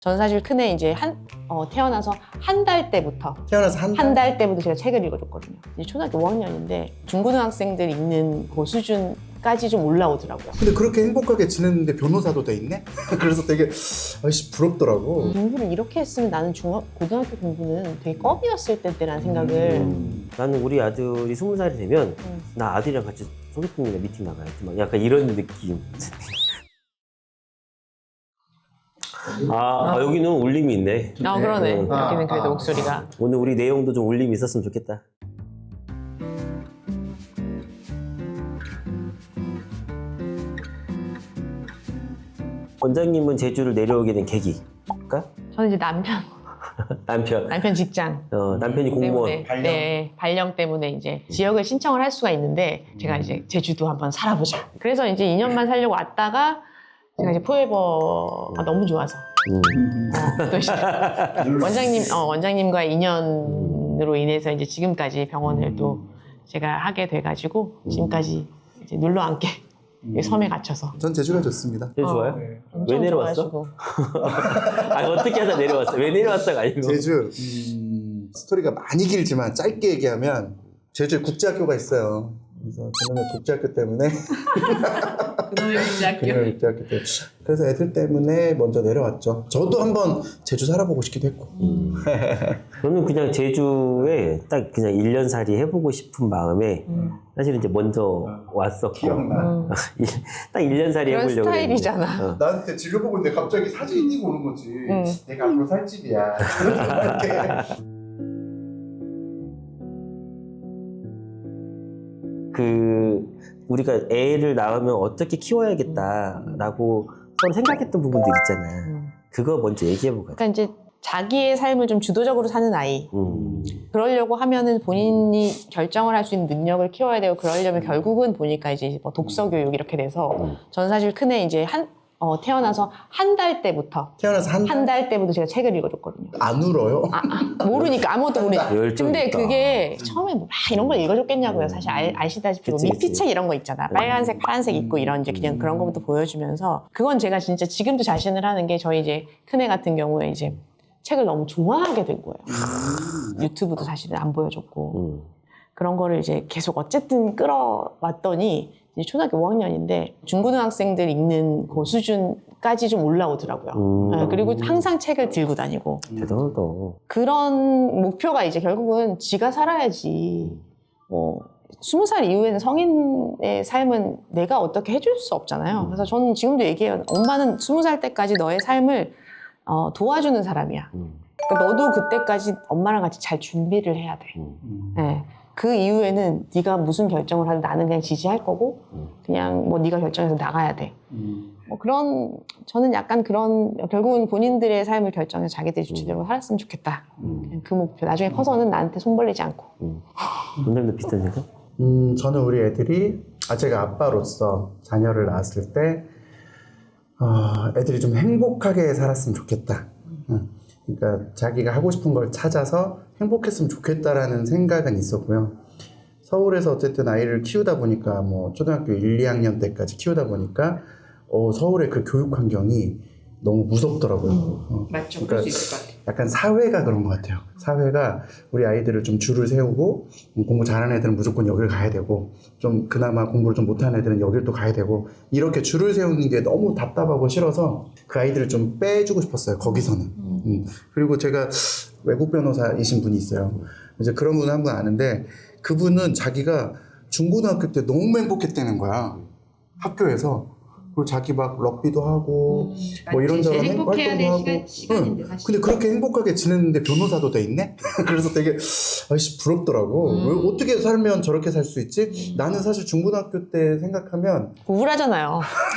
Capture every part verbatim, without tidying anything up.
전 사실 큰애 이제 한, 어, 태어나서 한 달 때부터 태어나서 한 달? 한 달 때부터 제가 책을 읽어줬거든요. 이제 초등학교 오 학년인데 중고등학생들 읽는 그 수준까지 좀 올라오더라고요. 근데 그렇게 행복하게 지냈는데 변호사도 돼 있네? 그래서 되게 아이씨 부럽더라고. 공부를 이렇게 했으면 나는 중학, 고등학교 공부는 되게 껌이었을 때라는 생각을 음, 나는 우리 아들이 스무 살이 되면 음. 나 아들이랑 같이 소개팅이나 미팅 나가야지 막 약간 이런 느낌. 아, 아, 여기는 울림이 있네. 아 그러네. 음. 여기는 그래도 아, 목소리가 오늘 우리 내용도 좀 울림이 있었으면 좋겠다. 원장님은 제주를 내려오게 된 계기가? 저는 이제 남편 남편. 남편 직장 어, 남편이 공무원. 때문에 발령? 네, 발령 때문에 이제 지역을 신청을 할 수가 있는데 제가 이제 제주도 한번 살아보자. 그래서 이제 이 년만 살려고 왔다가 제가 이제 포에버가 너무 좋아서 음. 어, 또 이제 원장님 어, 원장님과의 인연으로 인해서 이제 지금까지 병원을 또 제가 하게 돼가지고 지금까지 이제 눌러 앉게 이 섬에 갇혀서. 전 제주가 좋습니다. 제주 어. 좋아요? 네. 왜 내려왔어? 좋아하시고. 아니 어떻게 하다 내려왔어? 왜 내려왔다가 아니고? 제주 음, 스토리가 많이 길지만 짧게 얘기하면 제주에 국제학교가 있어요. 그래서 그놈의 국제학교 때문에 그놈의 국제학교. 그놈의 국제학교 때문에 그래서 애들 때문에 먼저 내려왔죠. 저도 한번 제주 살아보고 싶기도 했고. 음. 저는 그냥 제주에 딱 그냥 일 년 살이 해보고 싶은 마음에 음. 사실은 이제 먼저 왔었고 기억나. 음. 딱 일 년 살이 그런 해보려고 스타일이잖아. 했는데. 어. 나한테 진료 보고 있는데 갑자기 사진이 띄고 오는 거지. 응. 내가 앞으로 살 집이야. 이렇게. 그 우리가 애를 낳으면 어떻게 키워야겠다라고 서로 생각했던 부분들 있잖아. 음. 그거 먼저 얘기해보고. 그러니까 이제 자기의 삶을 좀 주도적으로 사는 아이. 음. 그러려고 하면은 본인이 결정을 할 수 있는 능력을 키워야 되고 그러려면 결국은 보니까 이제 뭐 독서 교육 이렇게 돼서 음. 전 사실 큰애 이제 한 어, 태어나서 한 달 때부터 태어나서 한 달 한 달 때부터 제가 책을 읽어줬거든요. 안 울어요? 아, 아, 모르니까 아무것도 모르니까. 열정 근데 있다. 그게 처음에 뭐 막 이런 걸 읽어줬겠냐고요. 사실 알, 아시다시피 뭐 그치, 그치. 미피책 이런 거 있잖아. 빨간색, 파란색 있고 이런 이제 그냥 그런 거부터 보여주면서 그건 제가 진짜 지금도 자신을 하는 게 저희 이제 큰애 같은 경우에 이제 책을 너무 좋아하게 된 거예요. 유튜브도 사실은 안 보여줬고 음. 그런 거를 이제 계속 어쨌든 끌어왔더니 이제 초등학교 오 학년인데 중고등학생들 읽는 그 수준까지 좀 올라오더라고요. 음. 네, 그리고 항상 책을 들고 다니고 대단하다. 그런 목표가 이제 결국은 지가 살아야지. 뭐 스무 살 이후에는 성인의 삶은 내가 어떻게 해줄 수 없잖아요. 그래서 저는 지금도 얘기해요. 엄마는 스무 살 때까지 너의 삶을 어, 도와주는 사람이야. 음. 그러니까 너도 그때까지 엄마랑 같이 잘 준비를 해야 돼. 음. 네. 그 이후에는 네가 무슨 결정을 하든 나는 그냥 지지할 거고 음. 그냥 뭐 네가 결정해서 나가야 돼. 음. 뭐 그런 저는 약간 그런 결국은 본인들의 삶을 결정해서 자기들이 주체적으로 살았으면 좋겠다. 음. 그냥 그 목표. 나중에 커서는 나한테 손 벌리지 않고. 음. 원장님도 비슷한 생각? 음, 저는 우리 애들이 아 제가 아빠로서 자녀를 낳았을 때 어, 애들이 좀 행복하게 살았으면 좋겠다. 응. 그러니까 자기가 하고 싶은 걸 찾아서 행복했으면 좋겠다라는 생각은 있었고요. 서울에서 어쨌든 아이를 키우다 보니까 뭐 초등학교 일, 이 학년 때까지 키우다 보니까 어, 서울의 그 교육 환경이 너무 무섭더라고요. 어. 맞죠. 그럴 수 있을 것 같아요. 약간 사회가 그런 것 같아요. 사회가 우리 아이들을 좀 줄을 세우고 공부 잘하는 애들은 무조건 여길 가야 되고 좀 그나마 공부를 좀 못하는 애들은 여길 또 가야 되고 이렇게 줄을 세우는 게 너무 답답하고 싫어서 그 아이들을 좀 빼주고 싶었어요. 거기서는. 음. 음. 그리고 제가 외국 변호사이신 분이 있어요. 이제 그런 분을 한 분 아는데 그분은 자기가 중고등학교 때 너무 행복했다는 거야. 학교에서. 그리고 자기 막 럭비도 하고 음, 뭐 이런저런 제일 행복해야 활동도 될 하고 시간, 시간인데, 응. 사실. 근데 그렇게 행복하게 지냈는데 변호사도 돼 있네? 그래서 되게 아이씨 부럽더라고. 음. 왜 어떻게 살면 저렇게 살 수 있지? 나는 사실 중고등학교 때 생각하면 우울하잖아요.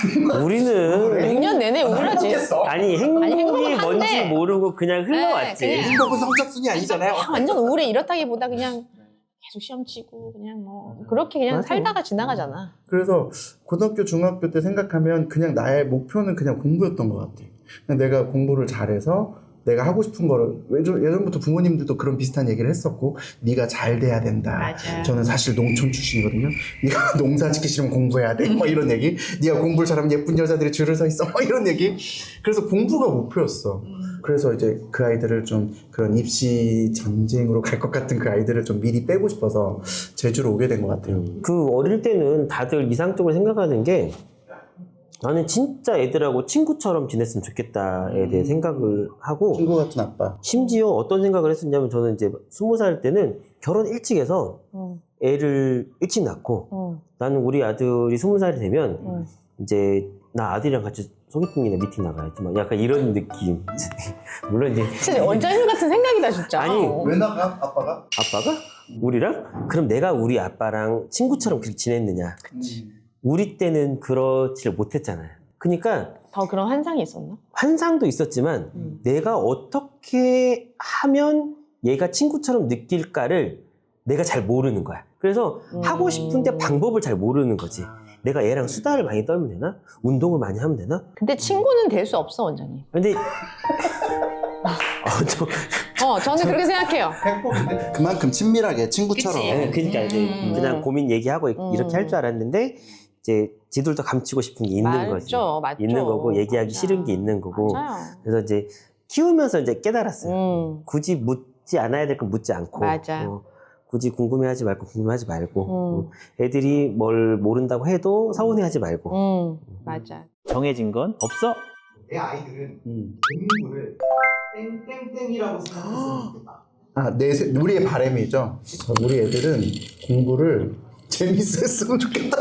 우리는 육 년 내내 우울하지. 행복했어. 아니 행복이 아니, 행복은 뭔지 한데. 모르고 그냥 흘러왔지. 네, 그냥. 행복은 성적순이 아니잖아요. 아, 완전 우울해 이렇다기보다 그냥 계속 시험 치고 그냥 뭐 그렇게 그냥 맞아. 살다가 지나가잖아. 그래서 고등학교, 중학교 때 생각하면 그냥 나의 목표는 그냥 공부였던 것 같아. 그냥 내가 공부를 잘해서 내가 하고 싶은 거를 예전, 예전부터 부모님들도 그런 비슷한 얘기를 했었고 네가 잘 돼야 된다. 맞아. 저는 사실 농촌 출신이거든요. 네가 농사 짓기 싫으면 공부해야 돼. 뭐 이런 얘기. 네가 공부를 잘하면 예쁜 여자들이 줄을 서 있어. 뭐 이런 얘기. 그래서 공부가 목표였어. 그래서 이제 그 아이들을 좀 그런 입시 전쟁으로 갈 것 같은 그 아이들을 좀 미리 빼고 싶어서 제주로 오게 된 것 같아요. 그 어릴 때는 다들 이상적으로 생각하는 게 나는 진짜 애들하고 친구처럼 지냈으면 좋겠다에 대해 생각을 하고 친구 같은 아빠. 심지어 어떤 생각을 했었냐면 저는 이제 스무 살 때는 결혼 일찍 해서 음, 애를 일찍 낳고 음, 나는 우리 아들이 스무 살이 되면 음. 이제 나 아들이랑 같이 소개팅이나 미팅 나가야지 막 약간 이런 느낌. 물론 이제 진짜 원장님 같은 생각이다 진짜. 아니, 어. 왜 나가 아빠가? 아빠가 우리랑 그럼 내가 우리 아빠랑 친구처럼 그렇게 지냈느냐? 그치. 우리 때는 그렇지를 못했잖아요. 그러니까 더 그런 환상이 있었나? 환상도 있었지만 음. 내가 어떻게 하면 얘가 친구처럼 느낄까를 내가 잘 모르는 거야. 그래서 음. 하고 싶은데 방법을 잘 모르는 거지. 내가 얘랑 수다를 많이 떨면 되나? 운동을 많이 하면 되나? 근데 친구는 될 수 없어 원장님. 근데 어, 저, 어, 저는 그렇게 생각해요. 그만큼 친밀하게 친구처럼. 그치. 네, 그러니까 이제 음. 그냥 고민 얘기하고 이렇게 할 줄 알았는데 이제 지들도 감추고 싶은 게 있는 맞죠, 거지. 맞죠. 있는 거고 얘기하기 맞아. 싫은 게 있는 거고. 맞아요. 그래서 이제 키우면서 이제 깨달았어요. 음, 굳이 묻지 않아야 될 건 묻지 않고. 맞아. 어, 굳이 궁금해하지 말고 궁금해하지 말고. 음. 어, 애들이 뭘 모른다고 해도 서운해하지 말고. 음, 맞아. 정해진 건 없어. 내 아이들은 음. 공부를 땡땡땡이라고 생각했으면 좋겠다. 아, 내 세- 우리의 바람이죠. 우리 애들은 공부를 재밌었으면 좋겠다.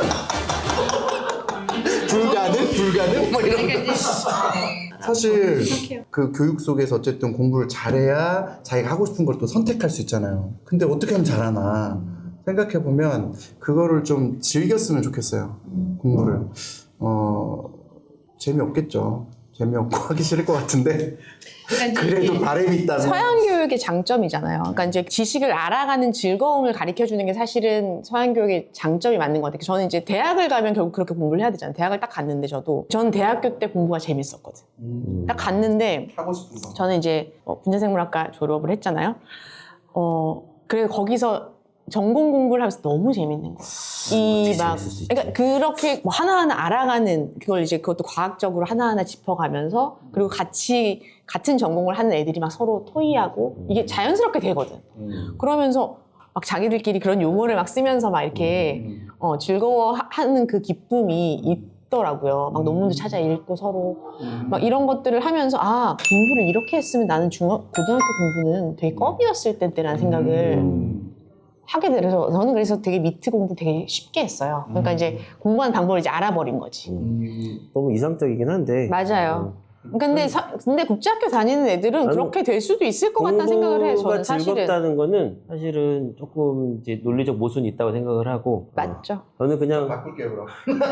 불가능, 불가능, 뭐 이런 거. 사실 그 교육 속에서 어쨌든 공부를 잘해야 자기가 하고 싶은 걸 또 선택할 수 있잖아요. 근데 어떻게 하면 잘하나 생각해 보면 그거를 좀 즐겼으면 좋겠어요. 공부를. 어 재미없겠죠. 재미없고 하기 싫을 것 같은데 그래도 바람이 있다면. 서양 교육의 장점이잖아요. 그러니까 이제 지식을 알아가는 즐거움을 가르쳐 주는 게 사실은 서양 교육의 장점이 맞는 것 같아요. 저는 이제 대학을 가면 결국 그렇게 공부를 해야 되잖아요. 대학을 딱 갔는데 저도 저는 대학교 때 공부가 재밌었거든. 음, 딱 갔는데 하고 싶은 거. 저는 이제 어, 분자생물학과 졸업을 했잖아요. 어, 그래서 거기서 전공 공부를 하면서 너무 재밌는 거야. 이 막, 재밌을 수 있지. 그러니까 그렇게 뭐 하나하나 알아가는 그걸 이제 그것도 과학적으로 하나하나 짚어가면서 그리고 같이 같은 전공을 하는 애들이 막 서로 토의하고 이게 자연스럽게 되거든. 음. 그러면서 막 자기들끼리 그런 용어를 막 쓰면서 막 이렇게 음. 어, 즐거워하는 그 기쁨이 있더라고요. 막 논문도 찾아 읽고 서로 음. 막 이런 것들을 하면서 아 공부를 이렇게 했으면 나는 중학 고등학교 공부는 되게 껌이었을 텐데라는 생각을 음. 하게 돼서 저는 그래서 되게 미트 공부 되게 쉽게 했어요. 그러니까 음. 이제 공부하는 방법을 이제 알아버린 거지. 음. 너무 이상적이긴 한데. 맞아요. 근데 사, 근데 국제학교 다니는 애들은 아니, 그렇게 될 수도 있을 것 같다는 생각을 해요. 공부가 저는 사실은 즐겁다는 거는 사실은 조금 이제 논리적 모순이 있다고 생각을 하고. 맞죠. 어, 저는 그냥 바꿀게요 그럼.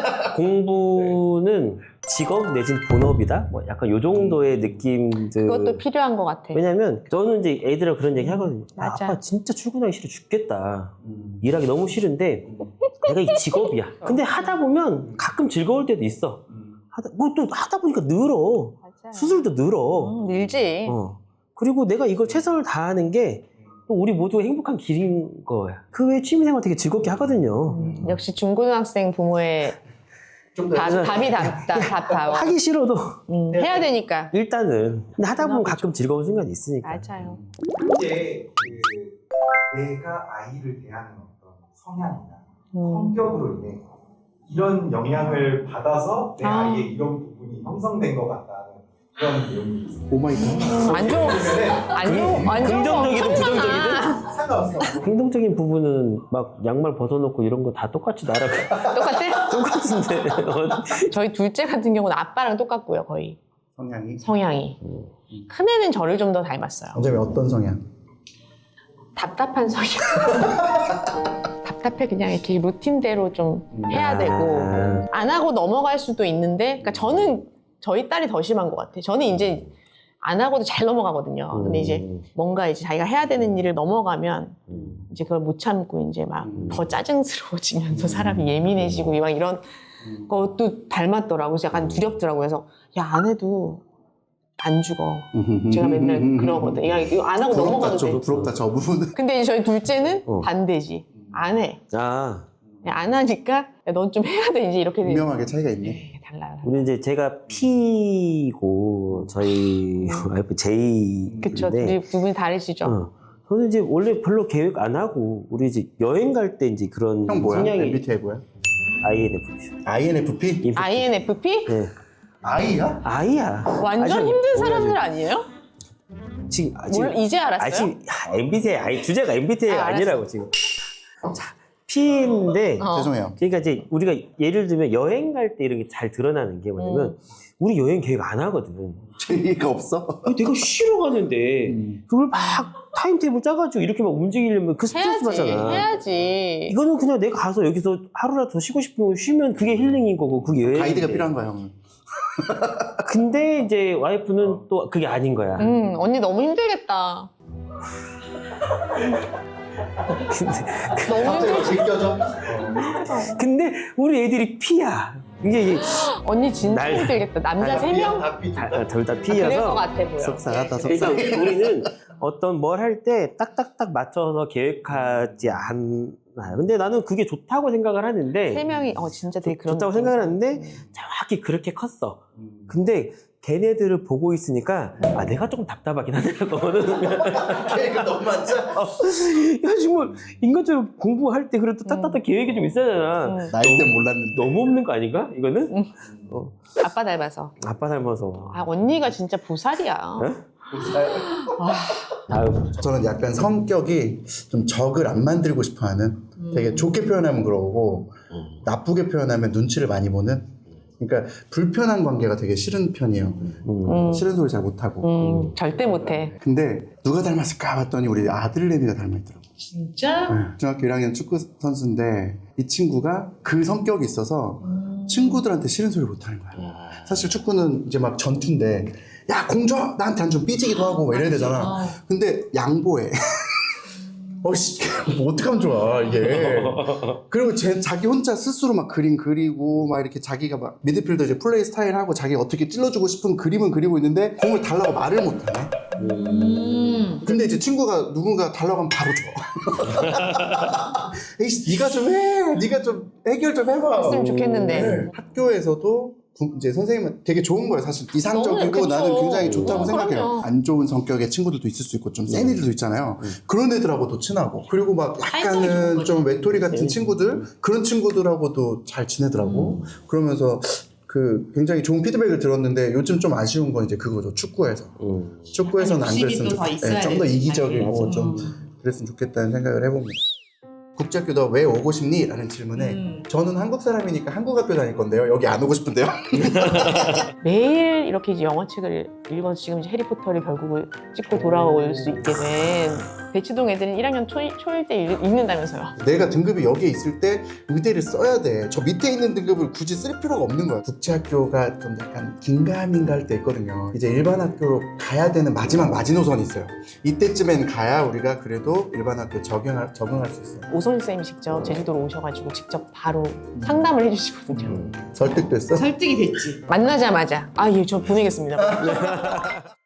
공부는 직업 내진 본업이다? 뭐 약간 요 정도의 느낌들. 그것도 필요한 것 같아. 왜냐면 저는 이제 애들이랑 그런 얘기 하거든요. 아, 맞아. 아빠 진짜 출근하기 싫어 죽겠다. 음. 일하기 너무 싫은데 내가 이 직업이야. 근데 하다 보면 가끔 즐거울 때도 있어. 음. 하다, 뭐 또 하다 보니까 늘어. 맞아요. 수술도 늘어. 음, 늘지. 어. 그리고 내가 이걸 최선을 다하는 게 또 우리 모두가 행복한 길인 거야. 그 외에 취미생활 되게 즐겁게 하거든요. 음, 역시 중고등학생 부모의 좀더 답, 답이 답다, 답다워. 하기 싫어도 음, 해야 되니까. 일단은 근데 하다 보면 그나마 가끔 즐거운 순간이 있으니까. 맞아요. 이제 그 내가 아이를 대하는 어떤 성향이나 음. 성격으로 인해 이런 영향을 받아서 내 아. 아. 이의 이런 부분이 형성된 것 같다는 그런 내용이 있어요. 오마이갓. 안 좋은, 안 좋은, 안 좋은 거 긍정적이든 엄청 부정적이든 많아. 상관없어. 긍정적인 부분은 막 양말 벗어놓고 이런 거 다 똑같이 나라고 똑같아? 똑같은데. 저희 둘째 같은 경우는 아빠랑 똑같고요, 거의. 성향이. 성향이. 큰애는 저를 좀 더 닮았어요. 어차피 어떤 성향? 답답한 성향. 답답해, 그냥 이렇게 루틴대로 좀 해야 아. 되고. 안 하고 넘어갈 수도 있는데, 그러니까 저는 저희 딸이 더 심한 것 같아요. 저는 이제 안 하고도 잘 넘어가거든요. 근데 이제 뭔가 이제 자기가 해야 되는 일을 넘어가면 음. 이제 그걸 못 참고 이제 막 음. 더 짜증스러워지면서 사람이 예민해지고 막 이런 음. 것도 닮았더라고요. 그래서 약간 두렵더라고요. 그래서 야, 안 해도 안 죽어. 제가 맨날 그러거든. 야, 이거 안 하고 부럽다, 넘어가도 저, 돼. 부럽다 저 부분은. 근데 이제 저희 둘째는 어. 반대지. 안 해. 아, 안 하니까 넌 좀 해야 돼. 이제 이렇게 돼. 분명하게 차이가 있네. 네, 달라요. 우리 이제 제가 P고 저희 와이프 J인데 그쵸. 우리 두 분이 다르시죠? 어, 저는 이제 원래 별로 계획 안 하고 우리 이제 여행 갈 때 이제 그런 형 뭐야? 성향이 엠비티아이 뭐야? 아이엔에프피요. 아이엔에프피? 아이엔에프피? 네. 아이야? 아이야. 완전 아직 힘든 몰라요. 사람들 아니에요? 지금 아직 뭘 이제 알았어요? 아직 엠비티아이 아니 주제가 엠비티아이 아, 아, 아니라고 지금. 자, P인데 어. 죄송해요. 그러니까 이제 우리가 예를 들면 여행 갈 때 이런 게 잘 드러나는 게 뭐냐면 음. 우리 여행 계획 안 하거든. 재미가 없어? 아니, 내가 쉬러 가는데 음. 그걸 막 타임테이블 짜가지고 이렇게 막 움직이려면 그 스트레스 해야지. 받잖아. 해야지. 이거는 그냥 내가 가서 여기서 하루라도 더 쉬고 싶으면 쉬면 그게 힐링인 거고 그게 여행인데. 가이드가 필요한 거야, 형은. 근데 이제 와이프는 또 그게 아닌 거야. 음, 언니 너무 힘들겠다. 근데, 너무 힘들. 제껴져? 근데 우리 애들이 P야. 이게 이게 언니 진짜 날- 힘들겠다. 남자 날- 세 명? 둘 다 그럴 것 P여서 같아 보여. 속상하다, 그러니까 속상해. 우리는 어떤 뭘 할 때 딱딱딱 맞춰서 계획하지 않아요. 근데 나는 그게 좋다고 생각을 하는데 세 명이 어 진짜 되게 그런 좋다고 느낌. 생각을 하는데 정확히 그렇게 컸어. 근데 걔네들을 보고 있으니까 아 내가 조금 답답하긴 하더라고. 계획은 너무 많죠? 야 정말 인간적으로 공부할 때 그래도 딱딱딱 계획이 좀 있어야 되잖아. 음. 나이 때 몰랐는데. 너무 없는 거 아닌가? 이거는? 음. 어, 아빠 닮아서. 아빠 닮아서. 아 언니가 진짜 보살이야. 네? 다음. 저는 약간 성격이 좀 적을 안 만들고 싶어 하는, 되게 좋게 표현하면 그러고 나쁘게 표현하면 눈치를 많이 보는, 그러니까 불편한 관계가 되게 싫은 편이에요. 음. 음, 싫은 소리 잘 못하고. 음, 절대 못해. 근데 누가 닮았을까 봤더니 우리 아들내미가 닮아있더라고. 진짜? 네. 중학교 일 학년 축구 선수인데 이 친구가 그 성격이 있어서 친구들한테 싫은 소리 못하는 거야. 사실 축구는 이제 막 전투인데 야 공 줘! 나한테 안 좀 삐지기도 하고 막 이래야 되잖아. 근데 양보해. 어씨 뭐 어떡하면 좋아 이게. 그리고 제, 자기 혼자 스스로 막 그림 그리고 막 이렇게 자기가 막 미드필더 이제 플레이 스타일 하고 자기가 어떻게 찔러주고 싶은 그림은 그리고 있는데 공을 달라고 말을 못하네. 음. 근데 이제 친구가 누군가 달라고 하면 바로 줘. 에이씨, 네가 좀 해. 네가 좀 해결 좀 해봐. 했으면 좋겠는데. 네. 학교에서도 구- 이제 선생님은 되게 좋은 거예요. 사실 이상적이고 너무 그쵸. 나는 굉장히 좋다고 어, 생각해요. 그럼요. 안 좋은 성격의 친구들도 있을 수 있고 좀 센 애들도 있잖아요. 그런 애들하고도 친하고 그리고 막 사회성이 좋은 약간은 거죠. 좀 외톨이 같은 네. 친구들 그런 친구들하고도 잘 지내더라고. 그러면서 그 굉장히 좋은 피드백을 들었는데 요즘 좀 아쉬운 건 이제 그거죠. 축구에서. 음. 축구에서는 안 그랬으면 더 좋겠다. 있어야 좀 더 되지. 이기적이고 맞아. 좀 그랬으면 좋겠다는 생각을 해봅니다. 국제학교 너 왜 오고 싶니? 라는 질문에 음. 저는 한국 사람이니까 한국 학교 다닐 건데요. 여기 안 오고 싶은데요. 매일 이렇게 이제 영화책을 읽어서 지금 이제 해리포터를 결국은 찍고 돌아올 수 있게 된 대치동 애들은 일 학년 초, 초일 때 읽, 읽는다면서요. 내가 등급이 여기에 있을 때 의대를 써야 돼. 저 밑에 있는 등급을 굳이 쓸 필요가 없는 거야. 국제학교가 좀 약간 긴가민가 할 때 있거든요. 이제 일반 학교로 가야 되는 마지막 마지노선이 있어요. 이때쯤엔 가야 우리가 그래도 일반 학교 적용할, 적응할 수 있어요. 오선일 쌤이 직접 제주도로 오셔가지고 직접 바로 상담을 해주시거든요. 설득됐어? 설득이 됐지. 만나자마자 아 예 저 보내겠습니다.